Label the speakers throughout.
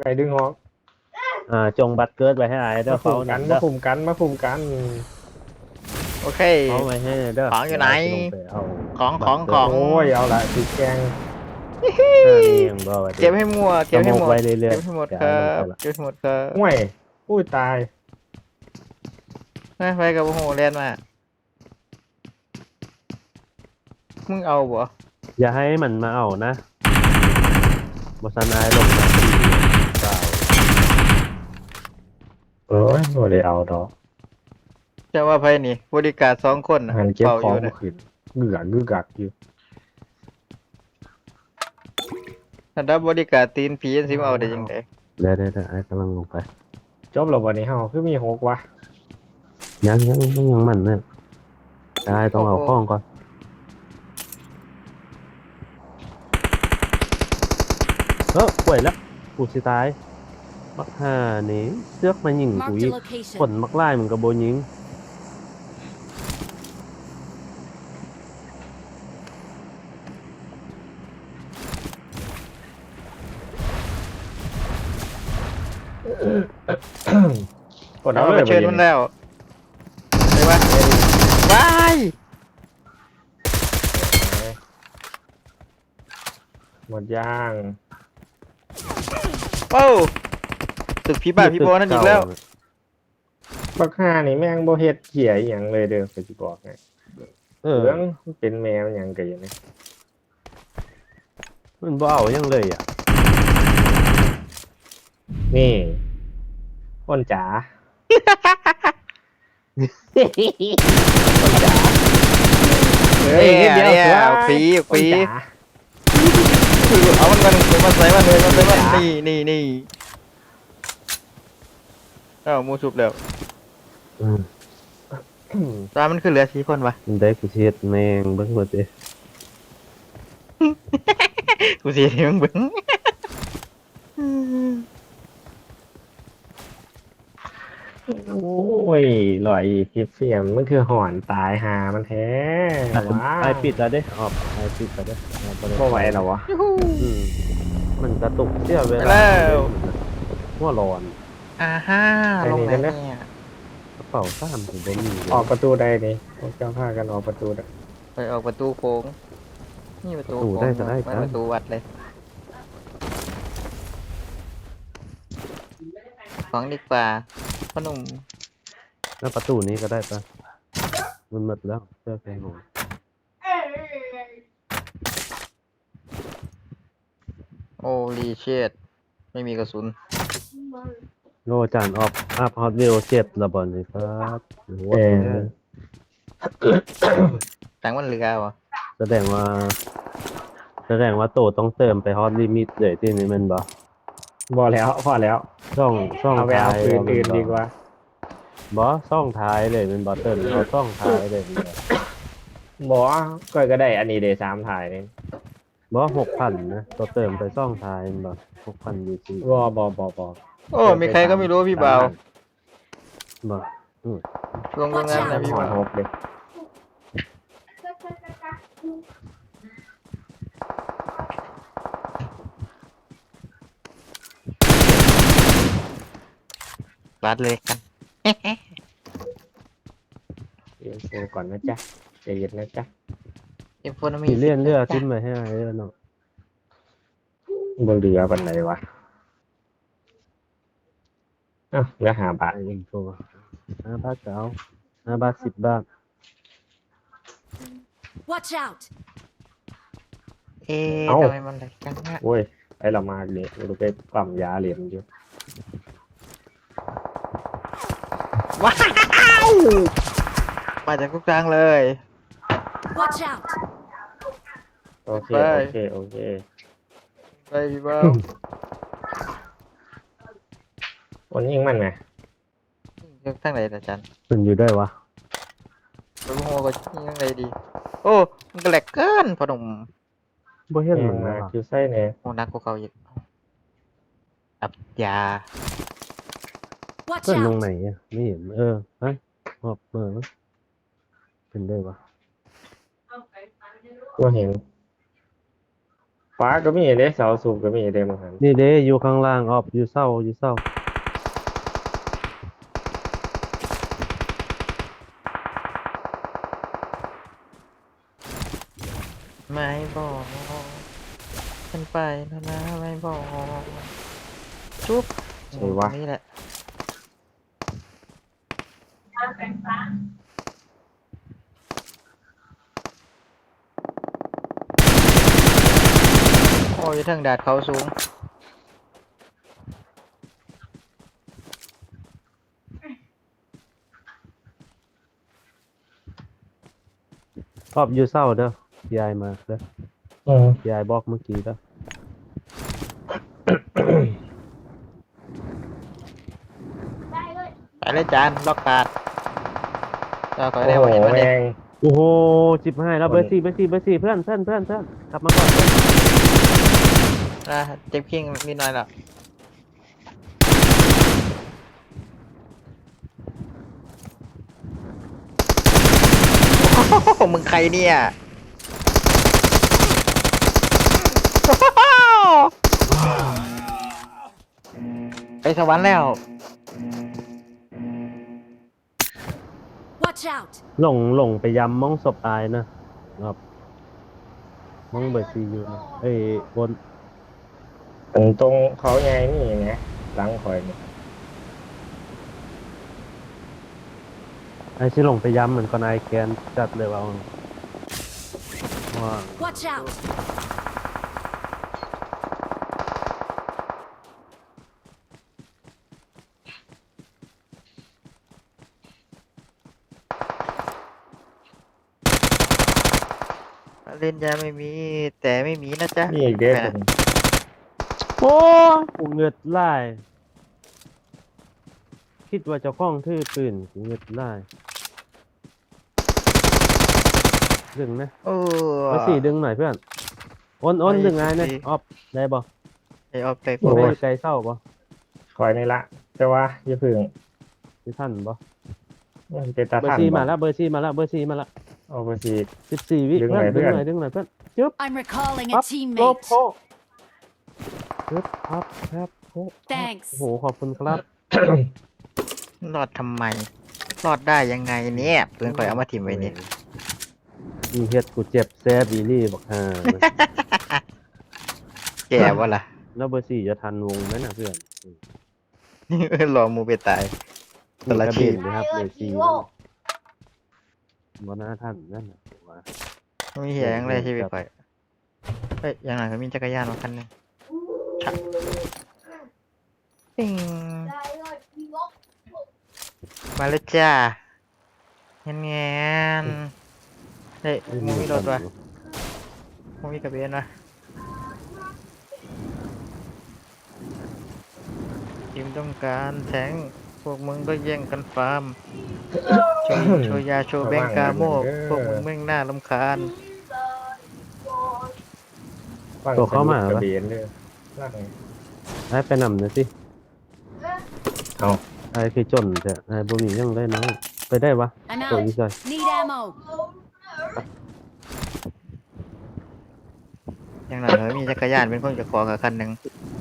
Speaker 1: ไก่ดึงหอก
Speaker 2: จงบัตรเกิดไว้ให้อายเด้อเขา
Speaker 1: กัน
Speaker 2: เด้อ
Speaker 1: มาคุมกัน
Speaker 3: โอเค
Speaker 2: เขาไว้ให้เด้อ
Speaker 3: ของอยู่ไหนของ
Speaker 1: โอ้ยเอาละติดแกง
Speaker 3: เก็บให้มั่วเก็บให้หมด
Speaker 2: ไว้เรื่อยๆ
Speaker 3: เก็บให้หมดครับเก็บให้หมดครับ
Speaker 1: ห่วยอุ้ยตาย
Speaker 3: ไปกับโอ้โหเรียนมามึงเอาบ่
Speaker 2: อย่าให้มันมาเอานะบสันอายลงมาเปล่า
Speaker 1: โอ้ยโอ้ได้เอาดอก
Speaker 3: จะว่าไผนี่บริการ2 คนน่ะ
Speaker 1: หันเก็บ
Speaker 3: เป่า
Speaker 1: ข
Speaker 3: อ
Speaker 1: อง
Speaker 3: ยู่นะ
Speaker 1: ขึ้นเงือกอยู่
Speaker 3: ถ้าดับบริการตีนผีสิมาเอาได้จังได๋
Speaker 2: เดี๋ยวอายกำลังลงไป
Speaker 1: จบแล้ววันนี้เฮาคือมี6วะ
Speaker 2: ยังมันเนี่ยอายต้องเอาข้องก่อนป่วยแล้วกูสิตายมักห่านี่เสือกมายิงกู
Speaker 4: Marked
Speaker 2: อี
Speaker 4: a
Speaker 2: ก
Speaker 4: location.
Speaker 2: คนมักไล่มึงกับโบยิง
Speaker 1: กดเอา
Speaker 3: เอา
Speaker 1: เล
Speaker 3: ไป
Speaker 1: ย
Speaker 3: เชิญมันแล้วไปวะบาย
Speaker 1: หมดย่าง
Speaker 3: โอ้ตึกผีบ้านผีบอนั่นอีกแล้ว
Speaker 1: บักห่านี่แม่งบ่เฮ็ดเหี้ยอีหยังเลยเด้อก็สิบอกไงเรื่องเป็นแมวหยังก็อย่างนี้
Speaker 2: มันบ่เอายังเลยอ่ะ
Speaker 1: นี่คนจ๋า คนจ๋า
Speaker 3: เฮ้ยนิดเดียวฟรี
Speaker 1: คนจ๋า
Speaker 3: เอามันมาใส่มันเลยนี่เอ้ามูชุบแล้ว
Speaker 2: อืม
Speaker 3: ตามันคือเหลือ4 คนวะ
Speaker 2: มันได้กูเช็ดแมงเบิ่งหมดเลย
Speaker 3: กูสิให้มึงเบิ่ง
Speaker 1: โอ้ยลอยคลิปเสียมมันคือหอนตายหามันแท้ว้า
Speaker 2: ไอปิดแล้วเด้ออกไอปิดแล้วเด้อ
Speaker 1: บ่ไหวแล้ววะ
Speaker 2: อืมมันกระตุกเสียเว
Speaker 3: ไป
Speaker 2: ลา
Speaker 3: แล้ว
Speaker 2: หัวร้อน
Speaker 3: อ่าฮ่าลงไหนเนี่ย
Speaker 2: กระเป๋าซ้ำถึงบ่มีเลย
Speaker 1: ออกประตูได้นี่พวกเจ้าพากันออกประตูได้
Speaker 3: ไปออกประตูโค้งนี่ประตูโค้งไม่ประตูวัดเลยของดีกว่าพ่อหนุ่ม
Speaker 2: แล้วประตูนี้ก็ได้ปะมันหมดแล้วเสื้อแพงหนู
Speaker 3: โอ้รีเชดไม่มีกระสุน
Speaker 2: โลจานออฟอัพฮอตวิว7ระเบิดเลยครับโอ้โห
Speaker 3: ตังมันเหลือวะ
Speaker 2: แสดงว่าโตต้องเติมไปฮอตลิมิตเลยที่นี่มันบ่
Speaker 1: บ่แล้วพอแล้ว
Speaker 2: ช่อง
Speaker 1: เอาไปเอา
Speaker 2: ท้าย
Speaker 1: ปืนอื่นดีกว่า
Speaker 2: บ่ช่องท้ายเลยมันบ่เติมเอาช่องท้ายเลย
Speaker 1: บ่ก็ได้อันนี้เด3ถ่ายนี่
Speaker 2: บ่6,000นะตัวเติมไปช่องท้ายมันบ่6,000 UC
Speaker 1: บ่
Speaker 3: โอ้มีใครก็ไม่รู้พี่บ่าว
Speaker 2: บ่
Speaker 3: ลงตรงนั้นนะพี่
Speaker 1: หอ
Speaker 3: บ่าน ว
Speaker 1: หกเลย
Speaker 3: รัดเลยกัน
Speaker 1: เรียนโฟก่อนนะจ๊ะใจเย็นนะจ๊ะ
Speaker 3: เอ็มโฟนมี
Speaker 2: สิเลี่ยนเรือขึ้นมาให้อ้ายเด้อเนาะ
Speaker 1: บ่เหลือปานไหนวะอ้าวเหลือ5 บาท
Speaker 2: ไอ้ยิงโต5 บาทก็เอา5 บาท10 บาท
Speaker 4: Watch out!
Speaker 3: ทำไมมันแหลกจังฮะ
Speaker 1: โอ้ยไอ้เรามาเนี่ยเราไปปั๊มยาเหรียญอยู่
Speaker 3: ว้าวมาจากทุกทางเลย
Speaker 4: Watch out!
Speaker 1: โอเค
Speaker 3: ไป
Speaker 1: โอเค
Speaker 3: ไปพี่บ่าว
Speaker 1: วันยิงมันไง
Speaker 3: ทางไหนอาจารย์
Speaker 2: มันอยู่ได้วะ
Speaker 3: ไปโง่ก็ยังไงดีโอ้มันก็แหลกเกินพ่อหนุ่ม
Speaker 2: บ่เห็น
Speaker 1: เห็
Speaker 2: มัน น
Speaker 1: มา
Speaker 2: นะ
Speaker 1: คิวไส้เนี่ย
Speaker 3: โอ้นักกว่าเขาอีกอับยา
Speaker 4: Watch
Speaker 2: เพิ่นลง
Speaker 4: out!
Speaker 2: ไหนอ่ะไม่เห็นฮะฮอบเป็นได้วะ
Speaker 1: ก็เห็นฟ้าก็มีเด้เสาสูบก็มีเด้มั้งหัน
Speaker 2: นี่เด้อยู่ข้างล่างออบอยู่เศร้าอยู่เศร้า
Speaker 3: ไม่บอกฉันไปแล้วนะไม่บอกจุ๊บ
Speaker 1: ใช่วะ
Speaker 3: นี่แหละโอ้ยทางดาดเขาสูง
Speaker 2: ออบอยู่เศร้าเด้อยายมาเด้อ
Speaker 1: อืม
Speaker 2: ยายบอกเมื่อกี้เด้อ
Speaker 3: ไปเลยจานล็อกการ์ดเจ้าก็
Speaker 1: โอ้
Speaker 3: ได้
Speaker 1: โห
Speaker 3: มาเห็นมัน
Speaker 1: แม
Speaker 3: เนี่ย
Speaker 1: ง
Speaker 2: โอ้โหจิบให้แล้วเบอร์สี่เบอร์สี่เบอร์สี่เพื่อนกลับมาก่อนเพื่อน
Speaker 3: นะเจ็บคิงนิดหน่อยละโอ้โหมึงใครเนี่ยไปสวรรค์แล้ว
Speaker 4: Watch out!
Speaker 2: หลงไปยำมองศพตายนะครับมองเบอร์สี่อยู่นะเอ้ยบน
Speaker 1: ตรงเขาใหญ่นี่ไงหลังข่อยนี่
Speaker 2: ไอ้ที่หลงไปยำเหมือนcon aiแกนจัดเลยว่าว่า
Speaker 4: Watch out!
Speaker 3: เล่นยาไม่มี แต่ไม่มีนะจ๊ะ
Speaker 1: นี่อีกเด้
Speaker 3: แห
Speaker 1: ผ
Speaker 3: ม
Speaker 1: ม
Speaker 2: โอ้กูเงือดไล่คิดว่าเจ้าของถือปืนกูเงือดไล่ดึงนะ
Speaker 3: โอ้
Speaker 2: เบอร์สี่ดึงหน่อยเพื่อนอ้นดึงไงเนี่ยออฟได้บ่
Speaker 3: ไอออฟไป
Speaker 2: กูไม่อยู่ไกลเศร้าบ่
Speaker 1: ข่อยนี่ละแต่ว่าอย่าพึ่ง
Speaker 2: ที่ท่านบ่
Speaker 1: มันเป็นตา
Speaker 2: เบอ
Speaker 1: ท่าน
Speaker 2: ร์สี่
Speaker 1: บ่
Speaker 2: มาแล้วเบอร์สี่มาแล้ว
Speaker 1: เอาไปสิ
Speaker 2: 14 วิ
Speaker 1: ดึง
Speaker 2: เพื่อน
Speaker 1: หน่อยเพื่
Speaker 2: ดึง
Speaker 1: อน
Speaker 2: หน่อยเพื่อนจึ๊บ
Speaker 4: I'm recalling a
Speaker 2: ปั๊บลบ
Speaker 4: teammate.
Speaker 2: โพจึ๊บปั๊บแคบโพ
Speaker 4: Thanks.
Speaker 2: โอ้โหขอบคุณครับ
Speaker 3: รอดทำไม รอดได้ยังไงเนี่ยปืนข่อยเอามาถิ่มไว้เนี่ย
Speaker 2: มึงเฮ็ดกูเจ็บแซ่บอีนี่บอกห่า
Speaker 3: แกวะล่ะ
Speaker 2: แล้วเบอร์สี่จะทันวงไหมนะเพื่อน
Speaker 3: รอมูไปตาย
Speaker 2: มี
Speaker 3: ละ
Speaker 2: กระ
Speaker 3: ที
Speaker 2: เบนนะครับเบอร์สี่บนหน้าท่านนั่นน่ะว่า
Speaker 3: ไม่มีเหี้ยยังเลยชีวิตข่อยเฮ้ยอย่างหลังก็มีจักรยานมาคันหนึงชักปิ้งมาเลยจ้าเงี้ยเงี้ยเฮ้ยมูมีรถวะมูมีกระเบนวะทีมต้องการแทงพวกมึงก็แย่งกันฟาร์มโชว์ยาโชว์แบงกาโมกพวกมึงแม่งน่ารำคาญ
Speaker 1: ฟัง
Speaker 2: ตัวเข้ามา
Speaker 1: สนุกก
Speaker 2: ปะ
Speaker 1: ระเบนเลยล่าง
Speaker 2: ไอ้ไปนำหน่อยสิ
Speaker 1: เอา
Speaker 2: ไอ้คือจนแต่ไอ้บ่มียังได้น้อยไปได้วะ
Speaker 4: I'm
Speaker 2: ตัว
Speaker 4: out.
Speaker 2: นี้ใส่
Speaker 4: Need ammo.
Speaker 3: อย่างหลังก็มีจักรยานเป็นคนกับของกับคันหนึ่ง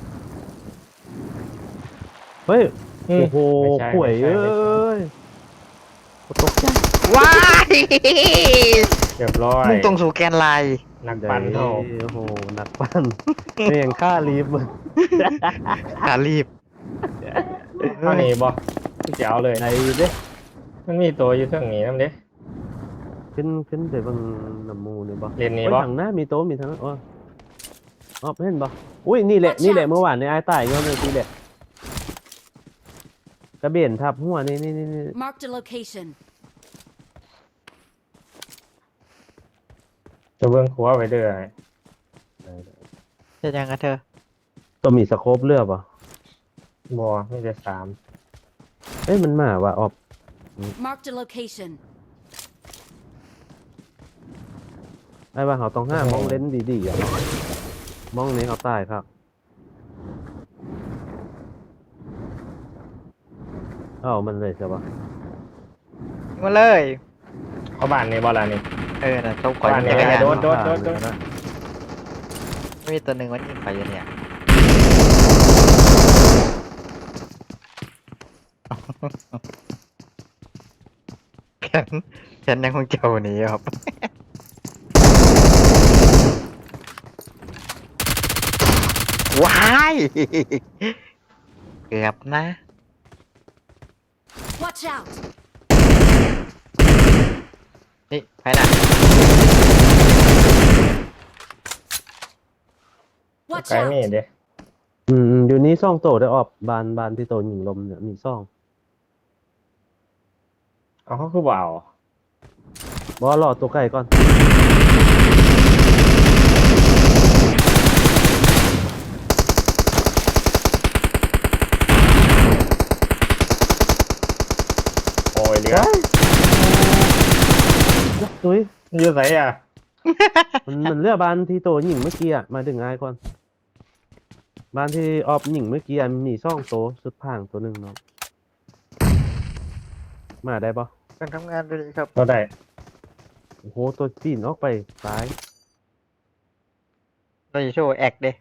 Speaker 2: เฮ้ย
Speaker 1: อืม
Speaker 2: โอ้โห
Speaker 1: ไม่ใช่
Speaker 2: ข่วย
Speaker 1: ไม่
Speaker 2: เอ้
Speaker 1: ใช่
Speaker 2: ยกูตกใจ
Speaker 3: ว้าย
Speaker 1: เรียบร้อย
Speaker 3: มุ่งตรงสู่แกนไลน์
Speaker 1: นักปั่นเฮา
Speaker 2: โอ้โหนักปั้นเพียงค่าลีฟมึง
Speaker 3: ขารีบ
Speaker 1: เท่านี้บ่เจ๋วเลย
Speaker 2: ไหนเด้
Speaker 1: มันมีตัวอยู่เท่งนี้นำเด้
Speaker 2: ขึ้นไปเบางน้ำมูนี่บ่
Speaker 1: เรียนนี้
Speaker 2: โอ้ย
Speaker 1: บ่
Speaker 2: ทางหน้ามีโต๊ะมีทางนั้นอ๋อเห็นบ่อุ้ยนี่แหละนี่แหละเมื่อวานในไอ้ตายเงี้ยทีแหละกระเบนทับหัวนี่
Speaker 4: Marked a location.
Speaker 1: จะเบิ่งขัวไว้เด้อ
Speaker 3: จะยังกับเธอ
Speaker 2: ตัวมีสโคปเลือบอ่ะ
Speaker 1: บ่มีแต่สาม
Speaker 2: เอ้ยมันมาว่ะออบ
Speaker 4: Marked a location.
Speaker 2: ไอ้ว่าเขาต้องห้ามองเลนส์ดีๆอ่ะมองนี้เขาตายครับเอามันเลยใช่ปะ
Speaker 3: มาเลย
Speaker 1: เอาบ้านนี่บ่ล่ะนี่
Speaker 3: เออน่ะเขาก่อย
Speaker 1: บ้าน
Speaker 3: จักรยาน
Speaker 1: โดด
Speaker 3: เฮ้มีตัวหนึ่งมันยิงไปอยู่เนี่ยแขนยังคงเจ้าหนี้ครับ ว้ายเกือบนะ
Speaker 4: Watch out!
Speaker 3: นี่ไปน่ะ
Speaker 4: Watch
Speaker 1: ไกลนี่
Speaker 4: out!
Speaker 1: เด้
Speaker 2: อยู่นี้ซ่องโตได้ออกบานที่โตหญิงลมเนี่ยมีซ่อง
Speaker 1: เอาเขาคือบ่เอา
Speaker 2: บอรอตัวไก่ก่อน
Speaker 1: โอ้ยเหลือ
Speaker 2: ตุ้ย
Speaker 1: อยู่ไสอ่ะ
Speaker 2: มันเลือกบานที่โตหญิงเมื่อกี้มาถึงง่ายก่อนบานที่ออกหญิงเมื่อกี้มีซ่องโตสุดผ่างตัวหนึ่งเนาะมาได้ปะ
Speaker 3: การทำงานด้วยครับ
Speaker 1: เราได้
Speaker 2: โอ้โหตัวปีนออกไปซ้าย
Speaker 3: เราจะโชว์แอคเด้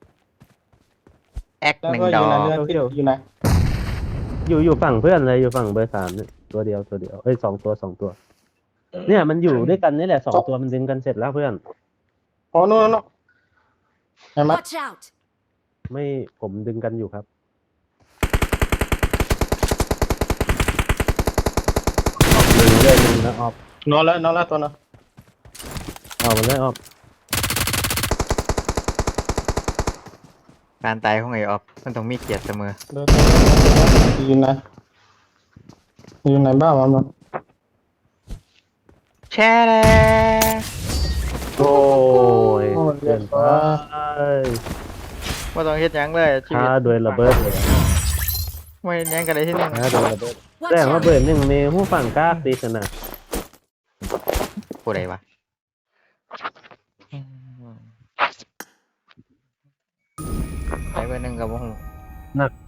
Speaker 3: แอค
Speaker 5: แล้ว
Speaker 3: หนึ่ง
Speaker 5: ก็
Speaker 3: ด
Speaker 5: อ
Speaker 3: อยู่
Speaker 5: ใน
Speaker 3: ก
Speaker 5: เรือที่อยู่ไหน
Speaker 2: อยู่ฝั่งเพื่อนเลยอยู่ฝั่งเบอร์3เนี่ยตัวเดียวเอ้ย2 ตัว เนี่ยมันอยู่ด้วยกันนี่แหละ2 ตัวมันดึงกันเสร็จแล้วเพื่อน
Speaker 5: อ๋อนู่นนู่นเห็นไหม
Speaker 4: Watch out!
Speaker 2: ไม่ผมดึงกันอยู่ครับออกหนึ่งเลยหนึ่งแล้วออก
Speaker 5: นอนแล้วตัวนั้น
Speaker 2: ออกมาเลยออก
Speaker 3: การตายของไอ้ออฟมันต้องมีเกียรติเสมอ
Speaker 5: เดินอยู่ไหนอยู่ไหนบ้างมัน
Speaker 3: แช่เลย
Speaker 2: โอ้ย
Speaker 5: โอ้ย
Speaker 2: เกินไป
Speaker 3: ว่าต้องเฮ็ดหยังเลยชีวิ
Speaker 2: ฆ่า
Speaker 3: ต
Speaker 2: โดยระเบิดเลย
Speaker 3: ไม่เฮ็ดหยังกันเลยที่หนึง
Speaker 2: ฆ่าโดยระเบิด
Speaker 4: Watch
Speaker 2: แต่ว่า
Speaker 4: out!
Speaker 2: เบิดหนึ่งเมหูฝั่งกล้าตีชนะ
Speaker 3: ผู้ใดวะไปเบอร์หนึ่งกับวง
Speaker 2: หนัก